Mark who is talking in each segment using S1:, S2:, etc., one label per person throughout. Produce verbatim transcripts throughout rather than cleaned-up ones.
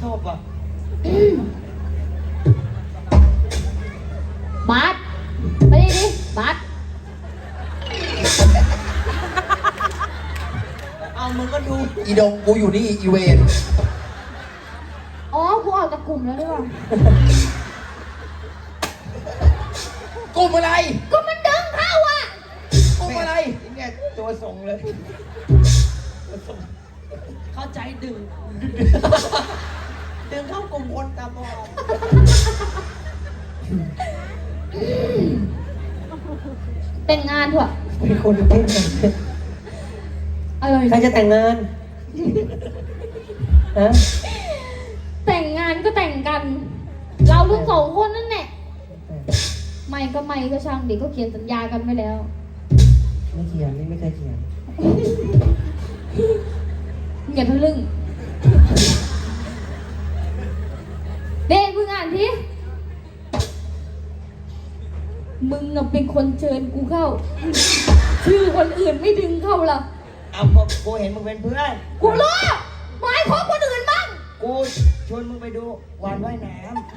S1: ชอบว่ะ
S2: บาสไปดิดิบาส
S1: เอามึงก็ดู
S3: อีดงกูอยู่นี่อีเวน
S2: อ๋อกูออกจากกลุ่มแล้วหรือเปล่า
S3: กลุ่มอะไร
S2: ก็มันดึงเข้าอ่ะ
S3: กลุ่มอะไร
S1: เนี่ยตัวส่งเลยเข้าใจดึงดึงเข้ากลุ่มคนตาบอด
S2: แต่งงานเถอะ
S4: เป็นคนเต้นกัน
S2: อะไร
S4: ใครจะแต่งงานฮะ
S2: แต่งงานก็แต่งกัน เราทั้งสองคนนั่นแหละไม่ก็ไม่ก็ช่างเด็กก็เขียนสัญญากันไว้แล้ว
S4: ไม่เขียนนี่ไม่เคยเขียน
S2: อย่าทะลึ่งเด็กมึงอ่านทีมึงน่ะเป็นคนเชิญกูเข้าชื่อคนอื่นไม่ดึงเข้าหรอ
S1: เอาก็กูเห็นมึงเป็นเพื่อน
S2: กูรู้หมายของคนอื่นบ้าง
S1: กูชวนมึงไปดูวันว่ายน้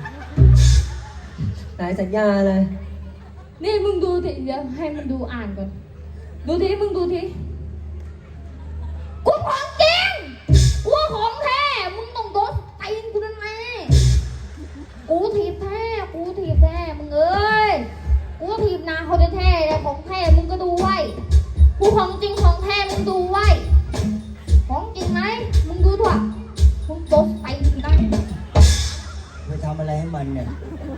S4: ำหลายสัญญาเลย
S2: นี่มึงดูทีเดี๋ยวให้มึงดูอ่านก่อนดูทีมึงดูทีกูของจริงกูของแท้มึงต้องโดนตีนกูนั่นแน่กูถีบแท้กูถีบแท้มึงเอ้ยกูถีบนาเขาจะแท้แต่ของแท้มึงก็ดูไว้กูของจริงของแท้มึงดูไว้ของจริงไหมมึงดูถั่วมึงโดนตีนกูได้
S1: ไปทำอะไรให้มันเนี่ย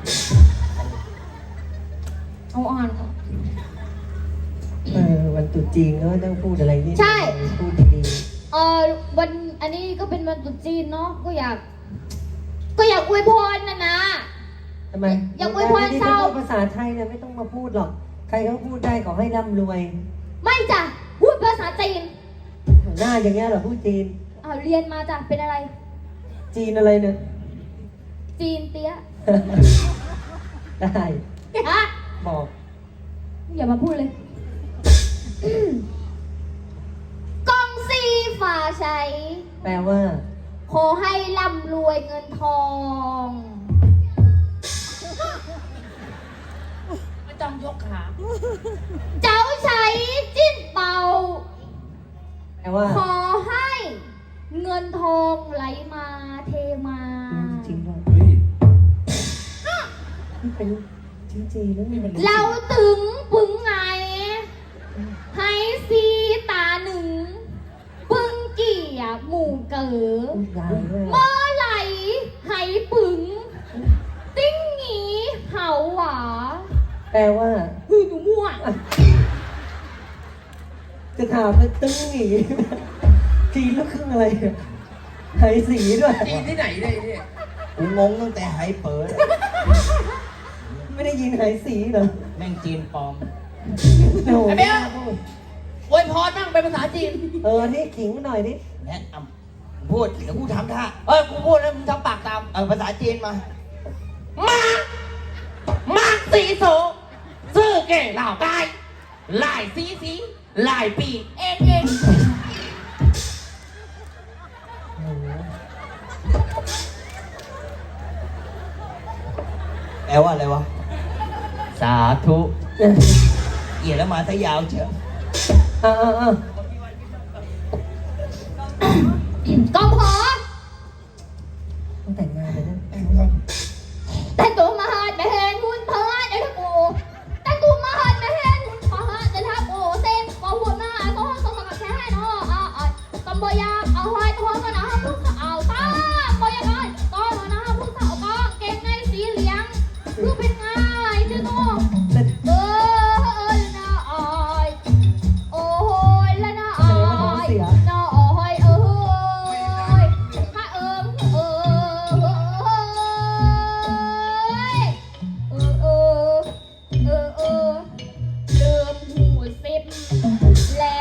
S2: เอาอ่าน
S4: เออวันตรุษจีนก็ต้องพูดอะไรนี่
S2: ใช่
S4: พูดดี
S2: ๆเออวันอันนี้ก็เป็นวันตรุษจีนเนาะก็อยากก็อยากอวยพรนะนะ
S4: ทำไม
S2: อยากอวยพรเศร้า
S4: ภาษาไทยเนี่ยไม่ต้องมาพูดหรอกใครเขาพูดได้ขอให้ร่ำรวย
S2: ไม่จ้ะพูดภาษาจีน
S4: หน้าอย่างเงี้ยเหรอพูดจีน
S2: อ้าวเรียนมาจ้ะเป็นอะไร
S4: จีนอะไรเนี่ย
S2: จีนเตี้ย
S4: ได้
S2: ฮะ
S4: บอก
S2: อย่ามาพูดเลยกองซีฝ่าใช้
S4: แปลว่า
S2: ขอให้ร่ำรวยเงินทอง
S1: ไม่ต้องยกขา
S2: เจ้าใช้จิ้นเป่า
S4: แปลว่า
S2: ขอให้เงินทองไหลมาเทมา
S4: จริงด้วยนี่เป็นจริงๆแล้วนี่มัน
S2: เราถึงปึงไงให้ซีตาหนึ่งปึงเกี่ยหมู่เก๋อเมื่อไหลให้ปึงติ้งหนีเห่าหวา
S4: แปลว่า
S2: ฮือหนูมั่ว
S4: จะถามเลยตึ้งหนีจีนลูกครึ่งอะไรไหสีด้วย
S3: จีนที่ไหนเนี่ยนี่
S1: กูงงตั้งแต่ไหเปิด
S4: ไม่ได้ยินไหสีเหรอ
S1: แม่งจีนปลอม
S3: ไอ้เบี้ยอวยพรบ้างเป็นภาษาจีน
S4: เออนี่ขิงหน่อยดิ
S1: แนะพูดเดี๋ยวกูทำท่า
S3: เออกูพูดแล้วมึงทำปากตาม
S1: เออภาษาจีนมา
S3: มามาสีโสซื่อเก่เหล่าใต้หลายสีสีหลายปีเองเอง
S1: แปลว่าอะไรวะ
S3: สาธุ
S1: เอี่ยแล้วมาซะยาวเชียว
S4: อ่าอ่าอ่
S2: ากองพอ
S4: ต้องแต่งงานเลยนะ
S2: แต่งตัวมาหาดไม่เห็นหุ่นเพอเดี๋ยวถ้ากูแต่งตัวมาหาดไม่เห็นหุ่นเพอเดี๋ยวถ้ากูเต้นก็หุ่นมาก็ห้องต้องมาแค่เนาะอ่าอ่าตำบอยาเอาไว้ท้องก็นะพุ่งเอาตาบอยาไงก็นะพุ่งเอาก็เก่งในสีเหลืองคือเป็นไงเจ้าน้องเออนะออยโอ้ยละนะออยนะออยเออข้าเอิมเออเออเออเออเออเดิมหูสิบแล้ว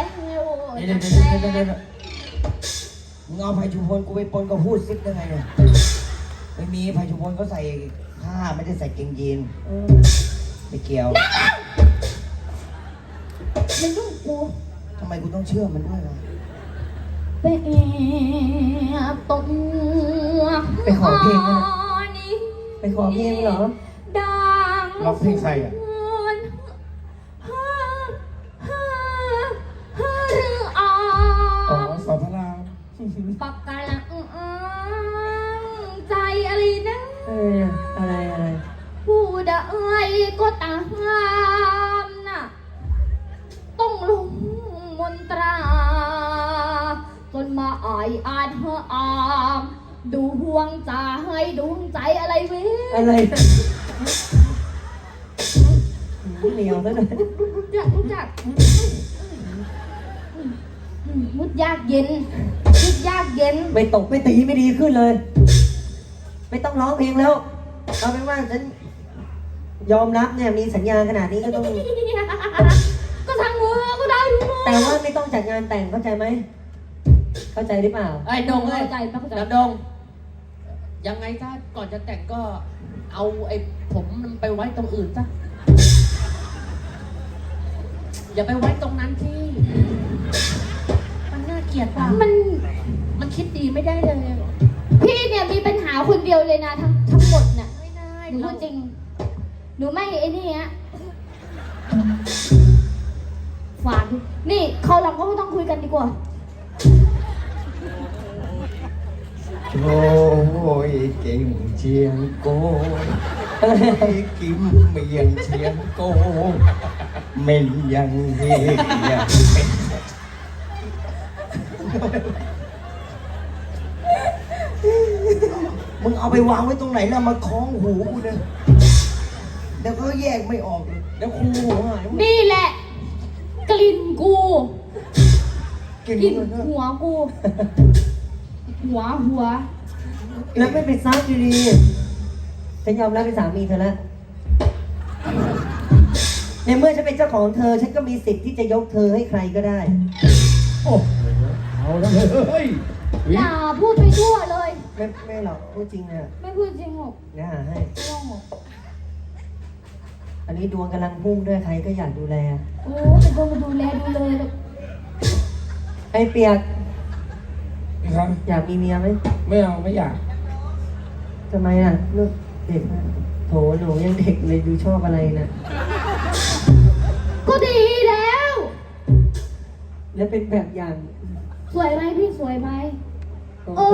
S1: มึงเอาไผ่ชุมพลกูไปปนกับพูดซิปได้ไงเนี่ยไม่มีไผ่ชุมพลเขาใส่ผ้าไม่ได้ใส่เกงยีนไม่เกี่ยว
S2: มันต้องกู
S1: ทำไมกูต้องเชื่อมันด้วยล่ะ
S2: เป็นตก
S4: ไปขอเพลงนะ
S2: นี่
S4: ไปขอเพลงเหรอ
S2: ดัง
S3: ร้องเพลงใครอ่ะ
S2: ฮ่าฮ่าฮ่าหรืออ่า
S3: อ๋อสอนพระราม
S2: ปากกาลังใจอะไรนะ
S4: เอออะไรอะไร
S2: ผู้ใดก็ตามน่ะต้องลงมนตราจนมาอายอาจเฮออามดูห่วงใจให้ดวงใจอะไรเว้ย
S4: อะไรเหนียวซะหน่อย
S2: รู้จักรู้จักมุดยากเย็นมุดยากเย็น
S4: ไม่ตกไม่ตีไม่ดีขึ้นเลย ไม่ต้องร้องเพลงแล้ว เอาเป็นว่าฉันยอมรับเนี่ยมีสัญญาขนาดนี้ก็ต้อง
S2: ก็ทางมือก็ได้ทุกมือ
S4: แต่ว่าไม่ต้องจัดงานแต่งเข้าใจไหม เข้าใจหรือเปล่า
S3: ไอ้ดงเอ้ย
S2: เข้าใจปะเข้าใจ
S3: ดำดง ยังไงถ้าก่อนจะแต่งก็เอาไอ้ผมมันไปไว้ตรงอื่นซะอย่าไปไว้ตรงนั้นที่มันน่าเกลียดว่ะ
S2: มัน
S3: มันคิดดีไม่ได้เลย
S2: พี่เนี่ยมีปัญหาคนเดียวเลยนะทั้งทั้งหมดน่ะ
S3: ไม่ได้
S2: หนูพูดจริง หนูไม่ไอ้นี่ฮะฝากดินี่เขาวหลังก็ไม่ต้องคุยกันดีกว่า
S1: โอ้ยเก่งเชียงโกกิมเมียงเชียงโกเมนยังเฮียมึงเอาไปวางไว้ตรงไหนแล้วมาคล้องหูกูเนี่ยเดี๋ยวก็แยกไม่ออกเลยเดี๋ยวครูหัวหายหมด
S2: นี่แหละ กลิ่นกู
S1: กิน
S2: กลิ่น
S1: มึงเลย
S2: หัวกู หัวหัว
S4: แล้วไม่เป็นซับดีๆฉันยอมรับเป็นสามีเธอแล้ว ในเมื่อฉันเป็นเจ้าของเธอ ฉันก็มีสิทธิ์ที่จะยกเธอให้ใครก็ได้
S3: โอ้เอาแล้วเฮ้ย
S2: อย่าพูดไปทั่วเลย
S4: ไม่ไม่หรอกพูดจริงอ่ะ
S2: ไม่พูดจริงหรอก
S4: นะหาให้
S2: ไม่ต้องหรอก
S4: อันนี้ดวงกำลังพุ่งด้วยใครก็อยากดูแล
S2: โอ้เป็นคนมาดูแลดูเลย
S4: ไอ้เปียก
S3: ครับ
S4: อยากมีเมียไหม
S3: ไม่เอาไม่อยาก
S4: ทำไมอ่ะลูกเด็กนะโถหนูยังเด็กเลยดูชอบอะไรนะ
S2: ก็ดีแล้ว
S4: แล้วเป็นแบบอย่าง
S2: สวยไหมพี่สวยไหม
S4: โอ้
S2: เอ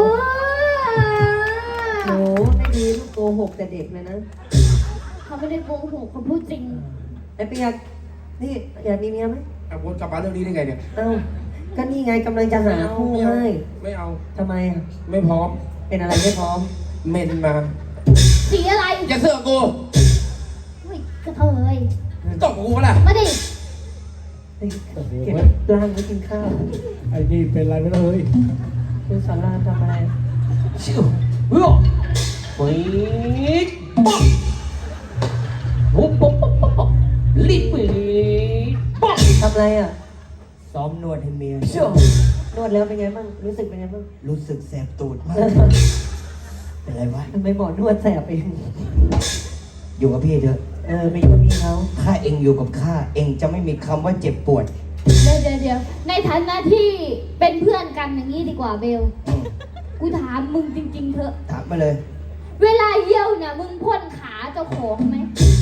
S4: โห
S2: อ
S4: ไม่ดีลูกโกหกแต่เด็กเลยนะ
S2: เขาไม่ได้โกหกเขาพูดจริง
S4: ไอ้เปียกนี่อยากมีเมียไหม
S3: เอาวนกลับมาเรื่องนี้ได้ไงเนี่ย
S4: เอ้าก็นี่ไงกำลังจะหาคู่ให้
S3: ไม่เอา
S4: ทำไมอ่ะ
S3: ไม่พร้อม
S4: เป็นอะไรไม่พร้อม
S3: เมนมา
S2: สีอะไร
S3: อย่าเสือกกู
S2: เฮ้ยกระเทย
S3: ตบกูปะล่ะ
S2: มาดิ
S4: เฮ้ยเก็บร่างไว้กินข้าว
S3: ไอ้นี่เป็นไรไม่รู้เลย
S4: คุณสอนรามทำอะไร
S3: ชิวเฮ้ยปี๊ดป๊อกปุ๊บปุ๊บปุ๊บปุ๊บลิบปี๊ดป๊อก
S4: ทำอะไรอ่ะ
S1: ซ้อมนวดให้เมีย
S3: เชื่อน
S4: วดแล้วเป็นไงบ้าง รู้สึกเป็นไงบ้าง
S1: รู้สึกแสบตูดมาก เป็นไรวะ
S4: ทำไมหมอนวดแสบเอง
S1: อยู่กับพี่เถอะ
S4: เออไปอยู่กับพี่เขา
S1: ถ้าเองอยู่กับข้า เองจะไม่มีคำว่าเจ็บปวด
S2: เดี๋ยวเดี๋ยวเดี๋ยวในฐานะที่เป็นเพื่อนกันอย่างนี้ดีกว่าเบล
S1: อืม
S2: กูถามมึงจริง ๆเถอะ
S1: ถามมาเลย
S2: เวลาเยี่ยวเนี่ยมึงพ่นขาเจ้าของไหม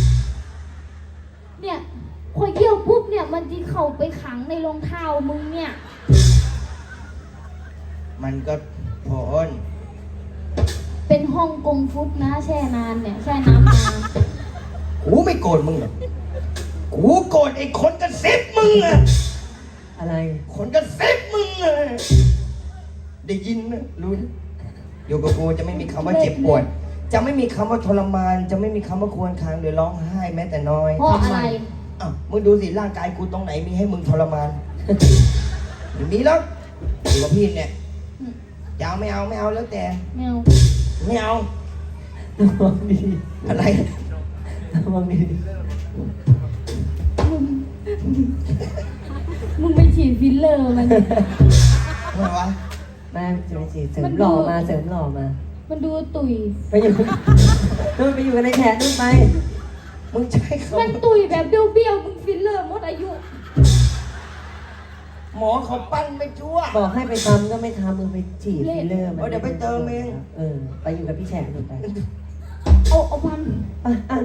S2: เนี่ยพอเยี่ยวปุ๊บเนี่ยมันจะเข้าไปขังในรองเท้ามึงเนี่ย
S1: มันก็พอน
S2: เป็นห้องกงฟุตนะแช่นานเนี่ยแช่น้ำนาน
S1: กูไม่โกรธมึงหรอกกูโกรธไอ้คนกระซิบมึงอะ
S4: อะไร
S1: คนกระซิบมึงอะได้ยินนะรู้นะอยู่กับกูจะไม่มีคำว่าเจ็บปวด จะไม่มีคำว่าทรมาน จะไม่มีคำว่าควรคางหรือร้องไห้แม้แต่น้อย
S2: เพราะอะไร
S1: อ้าวมึงดูสิร่างกายกูตรงไหนมีให้มึงทรมาน ไม่มีแล้วอยู่กับพี่เนี่ยจะเอาไม่เอาไม่เอาแล้วแต่
S2: แมว
S1: ไม่เอา
S4: ระวังดี
S1: อะไร
S4: ระวังดี
S2: มึงมึงไปฉีดฟิลเลอร์มัน
S1: อะไรวะ
S4: แม่จะไปจีบเสริมหล่อมาเสริมหล่อมา
S2: มันดูตุย
S4: ไปอยู่นู่นไปอยู่กันในแขนนู่นไป
S1: มึงใช้ค
S2: มันตุยแบบเบี้ยวๆมึงฟิลเลอร์หมดอายุ
S1: ำหมอเขาปั้นไปชั่ว
S4: บอกให้ไปทำก็ไม่ทำมึงไปฉีดฟิลเลอร์มัน
S1: เออเดี๋ยวไปเติมเอง
S4: เออไปอยู่กับพี่แฉกหนูไป
S2: โอ้โอ้พัน
S4: อ่ะอ่ะ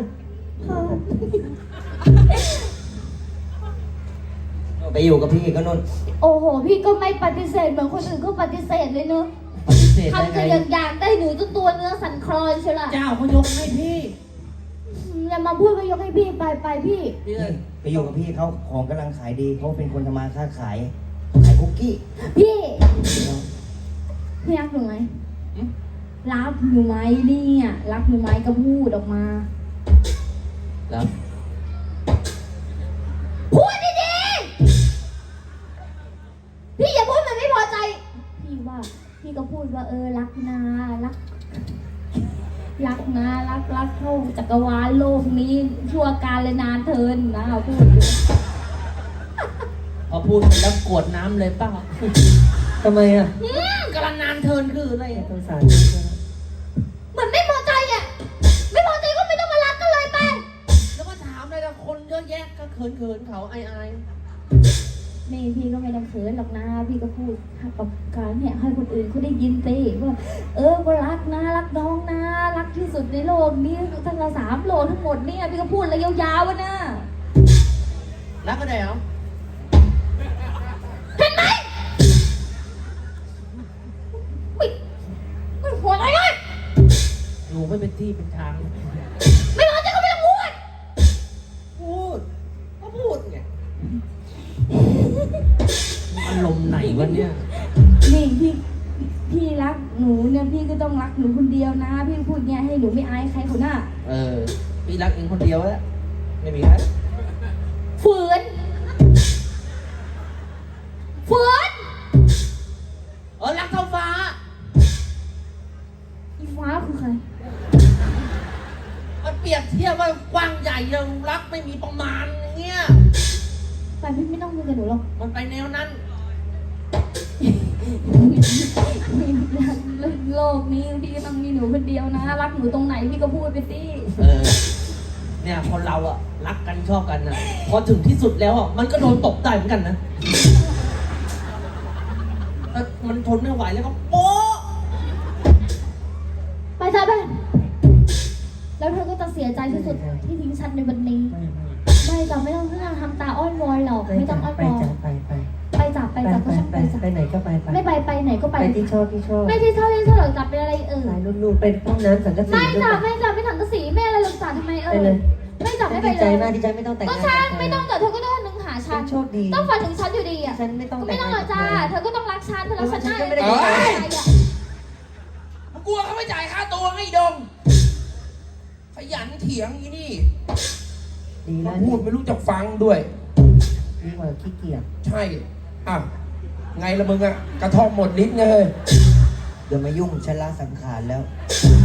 S1: ไปอยู่กับพี่ก็นน
S2: โอ้โห พี่ก็ไม่ปฏิเสธเหมือนคนอื่นก็ปฏิเสธเลยเนอะ
S3: ปฏิเสธได้
S2: ทำ
S3: ไง
S2: จะอย่างอย่างได้หนูจนตัวเนื้อสั่นคลอนเชียวล่ะ
S3: เจ้าเขายกให้พี่
S2: อย่ามาพูดไปยกให้พี่ไปไปพี่
S3: พี่เลย
S1: ไปอยู่กับพี่เขาของกำลังขายดีเขาเป็นคนทำมาค้าขายขายคุกกี้
S2: พี่ พี่รักหนูไหมรักหนูไหมเนี่ยรักหนูไหมก็พูดออกมา
S3: แล้ว
S2: พูดดีๆพี่อย่าพูดมันไม่พอใจ พี่ว่าพี่ก็พูดว่าเออรักนารัก รักนะรักรักเข้าจักรวาลโลกนี้ชั่วการเลยนานเทินนะพูดอยู่
S3: พอพูดไปแล้วกวดน้ำเลยเปล่า
S4: ทำไมอ่ะ
S2: อืม
S3: กำลังนานเทินคืออะไร
S4: สงสาร
S2: เหมือนไม่พอใจอ่ะไม่พอใจก็ไม่ต้องมารักกันเลยไป
S3: แล้วก็ถามเลยนะคนเยอะแยะก็เขินเขินๆเขาไอไอาย
S2: นี่พี่ก็ไม่ต้องเขินหรอกนะพี่ก็พูดกับการเนี่ยให้คนอื่นเขาได้ยินสิว่าเออก็รักนะรักน้องนะรักที่สุดในโลกนี้ทั้งสามโลกทั้งหมดเนี่ยพี่ก็พูดอะไรยาวๆวะนะ
S3: รักก็ได้เหรอ
S2: เห็นไหมอุ๊ยมันหัวอะไรเลย
S3: หนูไม่เป็นที่เป็นทาง
S2: ไม่พอใจก็ไม่ต้องพูด
S3: พูดก็พูดไงอารมณ์ไหนวะเนี่ย
S2: นี่พี่พี่รักหนูเนี่ยพี่ก็ต้องรักหนูคนเดียวนะ พี่พูดเนี่ยให้หนูไม่อายใครคนหน้า
S3: เออ พี่รักเองคนเดียวแล้วไม่มีใคร
S2: ฝืนฝืน
S3: เออรักเท่าฟ้า
S2: อีฟ้าคือใคร
S3: มันเปรียบเทียบว่ากว้างใหญ่ยังรักไม่มีประมาณอย่างเงี้ย
S2: แต่พี่ไม่ต้องคุยกับหนูหรอก
S3: มันไปแนวนั้น
S2: โลกนี้พี่ก็ต้องมีหนูคนเดียวนะ รักหนูตรงไหนพี่ก็พูดไปสิ
S3: เออ เนี่ยคนเราอะรักกันชอบกันนะพอถึงที่สุดแล้วอะมันก็โดนตบได้เหมือนกันนะถ้ามันทนไม่ไหวแล้วก็โป๊ะ
S2: ไปจ้าไปแล้วเธอก็จะเสียใจที่สุดที่ทิ้งฉันในวันนี้ ไม่จ้ะไม่ต้องไม่ต้องทำตาอ้อนวอนหรอก
S4: ไป
S2: ไม่ต้องอ้อน
S4: ไป
S2: วอน
S4: จ้ะไปไป
S2: ไปจ้ะไป
S4: ไป
S2: จ้ะ
S4: ไป
S2: ก็ช่าง
S4: ไป
S2: ไปจ้ะ
S4: ไปไหนก็ไปไป
S2: ไม่ไปไปไหนก็ไป
S4: ไปที่ชอบที่ชอบ
S2: ไม่ที่เท่าที่เท่าหรอกจ้ะเป็นอะไรเออ
S4: สายนุ่นๆเป็นห้องน้ำสังกะสี
S2: ไม่
S4: ด้วย
S2: จ้ะ
S4: กัน
S2: ไม่จ้ะไม่ถังกระสีไม่อะไรหรอกจ้ะทำไมเอ
S4: ไป
S2: อ
S4: เลย
S2: ไม่จ้ะไม่ไป
S4: ดี
S2: เล
S4: ใจ
S2: ย
S4: มากดีใจไม่ต้องแต่ง
S2: ก็
S4: งาน
S2: ช่าง
S4: กับใคร
S2: ไม่ต้องแต่เธอก็ต้องนึงหาฉั
S4: ฉั
S2: น
S4: นโชคดี
S2: ต้องฝันถึงฉันอยู่ดีอ่ะ
S4: ฉันไม่ต้อง
S2: ก็
S4: แต่
S2: ไม่
S4: ง
S2: ต้องหรอกจ้าเธอก็ต้องรักฉันเธอรักฉันได้
S4: ฉันก็ไม่ได้
S2: เอ้ย
S3: มันกลัวเขาไม่จ่ายค่าตัวให้ดงขยันเถียงอีนี่
S4: ดี
S5: มา
S4: แล้ว
S5: พูดไม่รู้จักฟังด้วย
S4: ดีกว่าขี้เกียจ
S5: ใช่อ่ะไงละมึงอะกระท่อมหมดลิ้นไงเฮ้ย
S1: อย่ามายุ่งฉันละสังขารแล้ว
S5: อ